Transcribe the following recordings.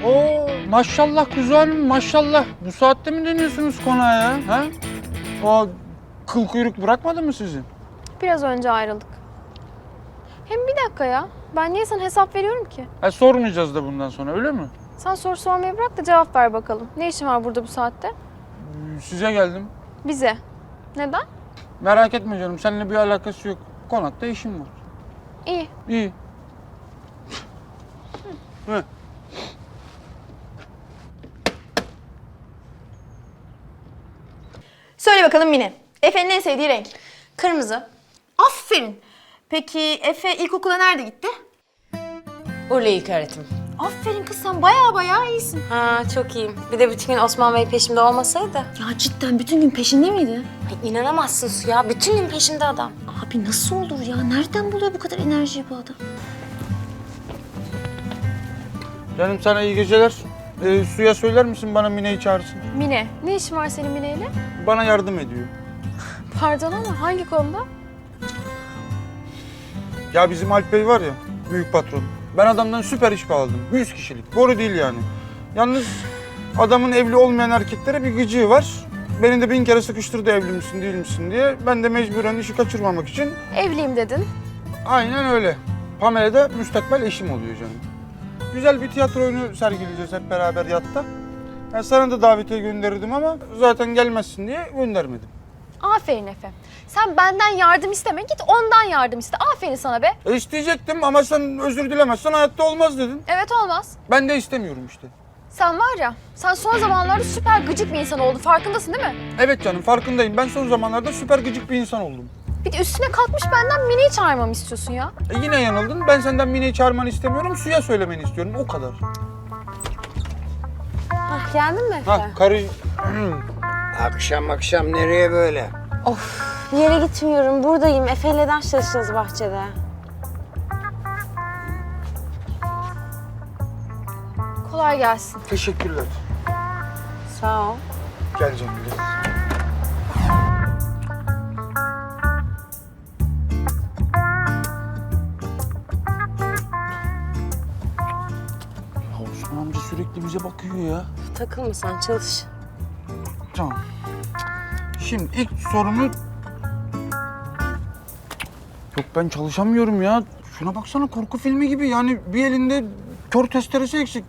Oo, maşallah kuzu hanım, maşallah. Bu saatte mi dönüyorsunuz konağa ya? Ha? O kıl kuyruk bırakmadı mı sizi? Biraz önce ayrıldık. Hem bir dakika ya. Ben niye sana hesap veriyorum ki? Ha, sormayacağız da bundan sonra, öyle mi? Sen soru sormayı bırak da cevap ver bakalım. Ne işin var burada bu saatte? Size geldim. Bize. Neden? Merak etme canım, seninle bir alakası yok. Konakta işim var. İyi. İyi. Hı. Söyle bakalım Mine. Efe'nin en sevdiği renk? Kırmızı. Aferin. Peki Efe ilkokula nerede gitti? Urla İlköğretim. Aferin kız, sen baya iyisin. Ha, çok iyiyim. Bir de bütün gün Osman Bey peşimde olmasaydı. Ya cidden bütün gün peşinde miydi? Ay, inanamazsın Suya. Bütün gün peşimde adam. Abi nasıl olur ya? Nereden buluyor bu kadar enerjiyi bu adam? Canım sana iyi geceler. Suya söyler misin bana Mine'yi çağırsın? Mine. Ne işin var senin Mine'yle? Bana yardım ediyor. Pardon ama hangi konuda? Ya bizim Alp Bey var ya, büyük patron. Ben adamdan süper iş bağladım. 100 kişilik. Boru değil yani. Yalnız adamın evli olmayan erkeklere bir gıcığı var. Beni de 1000 kere sıkıştırdı evli misin değil misin diye. Ben de mecburen işi kaçırmamak için Evliyim dedin. aynen öyle. Pamela da müstakbel eşim oluyor canım. Güzel bir tiyatro oyunu sergileyeceğiz hep beraber yatta. Ben sana da davetiye gönderirdim ama zaten gelmezsin diye göndermedim. Aferin Efe. Sen benden yardım isteme, git ondan yardım iste. Aferin sana be. İsteyecektim ama sen özür dilemezsen hayatta olmaz dedin. Evet olmaz. Ben de istemiyorum işte. Sen var ya, sen son zamanlarda süper gıcık bir insan oldun. Farkındasın değil mi? Evet canım, farkındayım. Ben son zamanlarda süper gıcık bir insan oldum. Bir de üstüne kalkmış benden Mine'yi çağırmamı istiyorsun ya. Yine yanıldın. Ben senden Mine'yi çağırmanı istemiyorum. Suya söylemeni istiyorum. O kadar. Hah, geldin mi Efe? Ha karı... Akşam nereye böyle? Of, bir yere gitmiyorum. Buradayım. Efe'yle ders çalışacağız bahçede. Kolay gelsin. Teşekkürler. Sağ ol. Gel canım gel. Ya Osman amca sürekli bize bakıyor ya. Takılma sen, çalış. Tamam. Şimdi ilk sorumu... Yok ben çalışamıyorum ya. Şuna baksana, korku filmi gibi. Yani bir elinde kör testeresi eksik.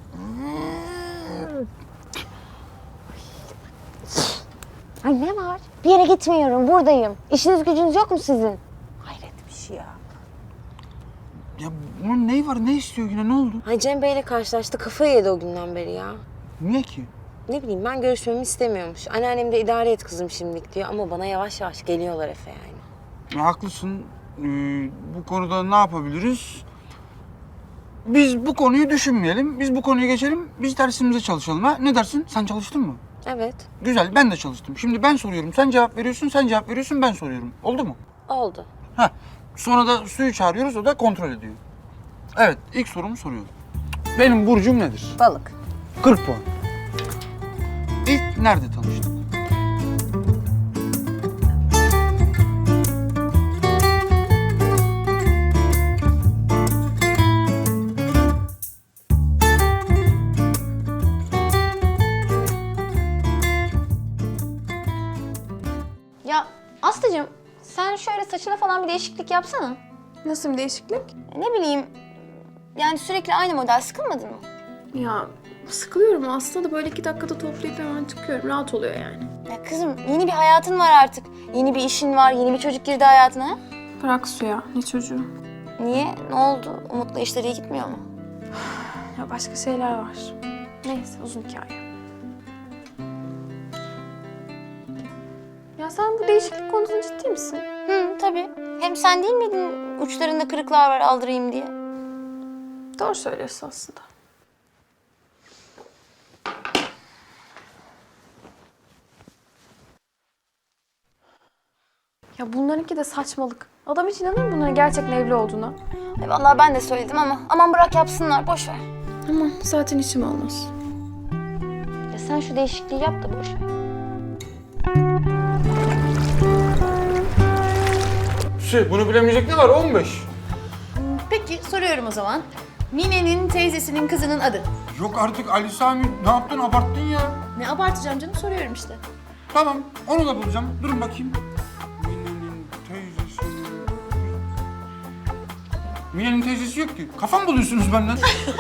Ay ne var? Bir yere gitmiyorum. Buradayım. İşiniz gücünüz yok mu sizin? Hayret bir şey ya. Ya bunun neyi var? Ne istiyor yine? Ne oldu? Ay Cem Bey'le karşılaştı. Kafayı yedi o günden beri ya. Niye ki? Ne bileyim, ben görüşmemi istemiyormuş. Anneannem de idare et kızım şimdilik diyor ama bana yavaş yavaş geliyorlar Efe yani. Ya haklısın. Bu konuda ne yapabiliriz? Biz bu konuyu düşünmeyelim. Biz bu konuyu geçelim. Biz dersimize çalışalım ha. Ne dersin? Sen çalıştın mı? Evet, Güzel. Ben de çalıştım. Şimdi ben soruyorum. Sen cevap veriyorsun. Sen cevap veriyorsun. Ben soruyorum. Oldu mu? oldu. Heh. Sonra da Suyu çağırıyoruz. O da kontrol ediyor. Evet. İlk sorumu soruyorum. Benim burcum nedir? Balık. 40 puan. İlk nerede tanıştık? Ya Aslı'cığım, sen şöyle saçına falan bir değişiklik yapsana. Nasıl bir değişiklik? Ne bileyim, yani sürekli aynı model, sıkılmadın mı? Ya sıkılıyorum aslında da böyle 2 dakikada toplayıp hemen çıkıyorum. Rahat oluyor yani. Ya kızım, yeni bir hayatın var artık. Yeni bir işin var, yeni bir çocuk girdi hayatına. Ha? Bırak Suya, ne çocuğu? Niye? Ne oldu? Umut'la işleri iyi gitmiyor mu? Ya başka şeyler var. Neyse, uzun hikaye. Ya sen bu değişiklik konusunda ciddi misin? Hı, tabii. Hem sen değil miydin uçlarında kırıklar var aldırayım diye? Doğru söylüyorsun aslında. Ya bunlarınki de saçmalık. Adam hiç inanır mı bunların gerçekten evli olduğuna? Ay vallahi ben de söyledim ama aman bırak yapsınlar, boş ver. Aman zaten işim olmaz. Ya sen şu değişikliği yap da boş ver. Bunu bilemeyecek ne var? 15. Peki soruyorum o zaman. Mine'nin teyzesinin kızının adı. Yok artık Ali Sami, ne yaptın, abarttın ya. Ne abartacağım canım, soruyorum işte. Tamam, onu da bulacağım. Durun bakayım. Mine'nin teyzesi... Mine'nin teyzesi yok ki. Kafam buluyorsunuz benden.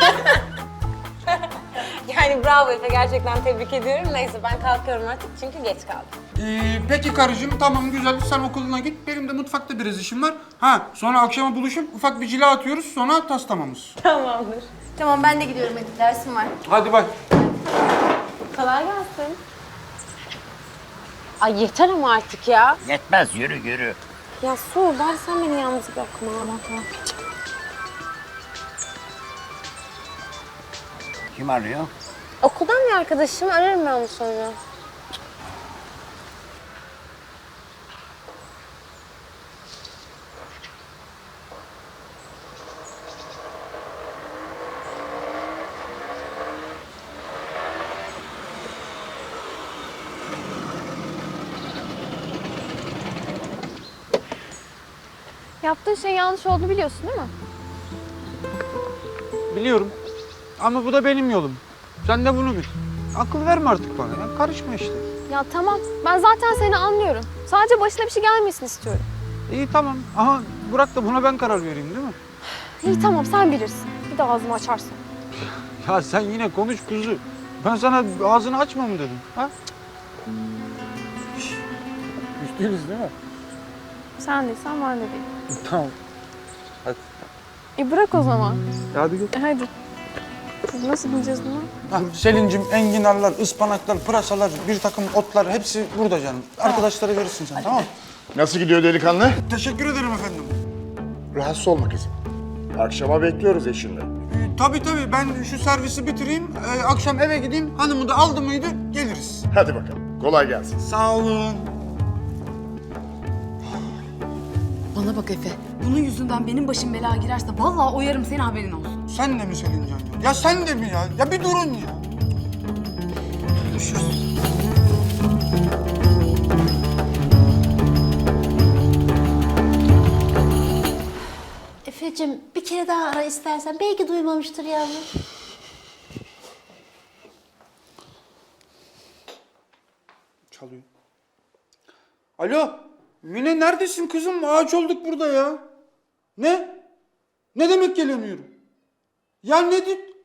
Yani bravo Efe, gerçekten tebrik ediyorum. Neyse ben kalkıyorum artık çünkü geç kaldım. Peki karıcığım, tamam güzel. Sen okuluna git. Benim de mutfakta biraz işim var. Ha, sonra akşama buluşup ufak bir cila atıyoruz. Sonra tas tamamız. Tamamdır. Tamam, ben de gidiyorum, hadi dersim var. Hadi bay. Kolay gelsin. Ay yeter ama artık ya. Yetmez, yürü yürü. Ya Su, bari sen beni yalnız bırakma. Tamam. Kim arıyor? Okuldan bir arkadaşım, ararım ben onu sonra. Yaptığın şey yanlış olduğunu biliyorsun değil mi? Biliyorum. Ama bu da benim yolum. Sen de bunu bil. Akıl verme artık bana ya. Karışma işte. Ya tamam, ben zaten seni anlıyorum. Sadece başına bir şey gelmesini istiyorum. İyi tamam. Ama bırak da buna ben karar vereyim değil mi? İyi tamam, sen bilirsin. Bir de ağzımı açarsın. Ya sen yine konuş kuzu. Ben sana ağzını açma mı dedim? Ha? Üstünüz değil mi? Sen değilsen ben de değilim. Tamam. Hadi. Bırak o zaman. Hadi gel. Hadi. Biz nasıl bineceğiz buna? Selin'cim enginarlar, ıspanaklar, pırasalar, bir takım otlar hepsi burada canım. Arkadaşlara verirsin sen tamam mı? Nasıl gidiyor delikanlı? Teşekkür ederim efendim. Rahatsız olma kızım. Akşama bekliyoruz eşinle. Tabii ben şu servisi bitireyim. Akşam eve gideyim. Hanımı da aldı mıydı geliriz. Hadi bakalım. Kolay gelsin. Sağ olun. Bana bak Efe, bunun yüzünden benim başım belaya girerse vallahi oyarım seni, haberin olsun. Sen de mi Selincan ya? Ya sen de mi ya? Ya bir durun ya. Efe'cim bir kere daha ara istersen. Belki duymamıştır yavrum. Çalıyor. Alo. Mine neredesin kızım? Ağaç olduk burada ya. Ne? Ne demek gelemiyorum? Ya ne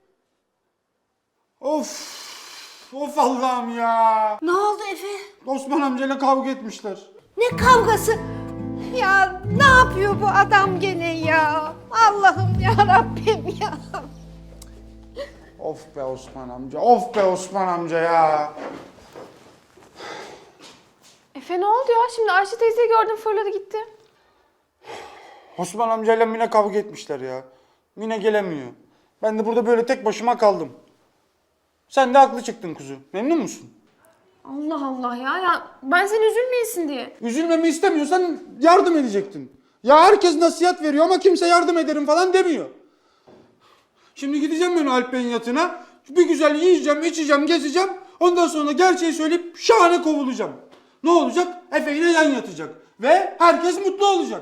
Of. Of Allah'ım ya. Ne oldu Efe? Osman amcayla kavga etmişler. Ne kavgası? Ya ne yapıyor bu adam gene ya? Allah'ım ya Rabbim ya. Of be Osman amca. Of be Osman amca ya. Efe ne oldu ya? Şimdi Ayşe teyzeyi gördüm, fırladı gitti. Osman amcayla Mine kavga etmişler ya. Mine gelemiyor. Ben de burada böyle tek başıma kaldım. Sen de haklı çıktın kuzu. Memnun musun? Allah Allah ya ben sen üzülmeyesin diye. Üzülmemi istemiyorsan yardım edecektin. Ya herkes nasihat veriyor ama kimse yardım ederim falan demiyor. Şimdi gideceğim ben Alp Bey'in yatına. Bir güzel yiyeceğim, içeceğim, gezeceğim. Ondan sonra gerçeği söyleyip şahane kovulacağım. Ne olacak? Efe ile yan yatacak. Ve herkes mutlu olacak.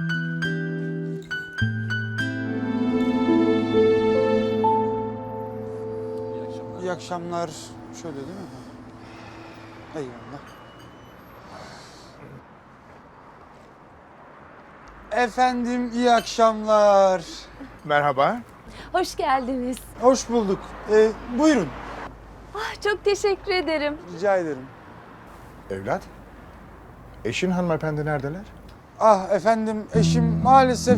İyi akşamlar. Şöyle değil mi? Eyvallah. Efendim iyi akşamlar. Merhaba. Hoş geldiniz. Hoş bulduk. Buyurun. Çok teşekkür ederim. Rica ederim. Evlat. Eşin hanımefendi neredeler? Ah efendim eşim maalesef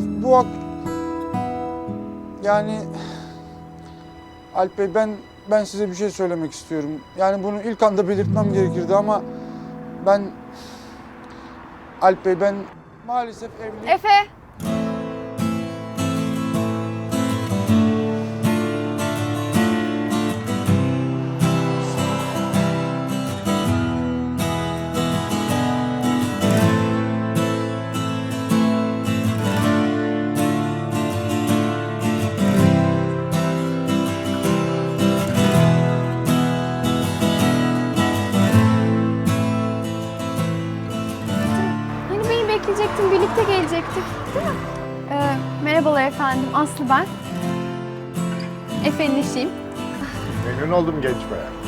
yani Alp Bey ben size bir şey söylemek istiyorum. Yani bunu ilk anda belirtmem gerekirdi ama Alp Bey ben maalesef evli. Efe. Hani beni bekleyecektin, birlikte gelecektik değil mi? Merhabalar efendim, Aslı ben. Efe'nin eşiyim. Memnun oldum genç bayan.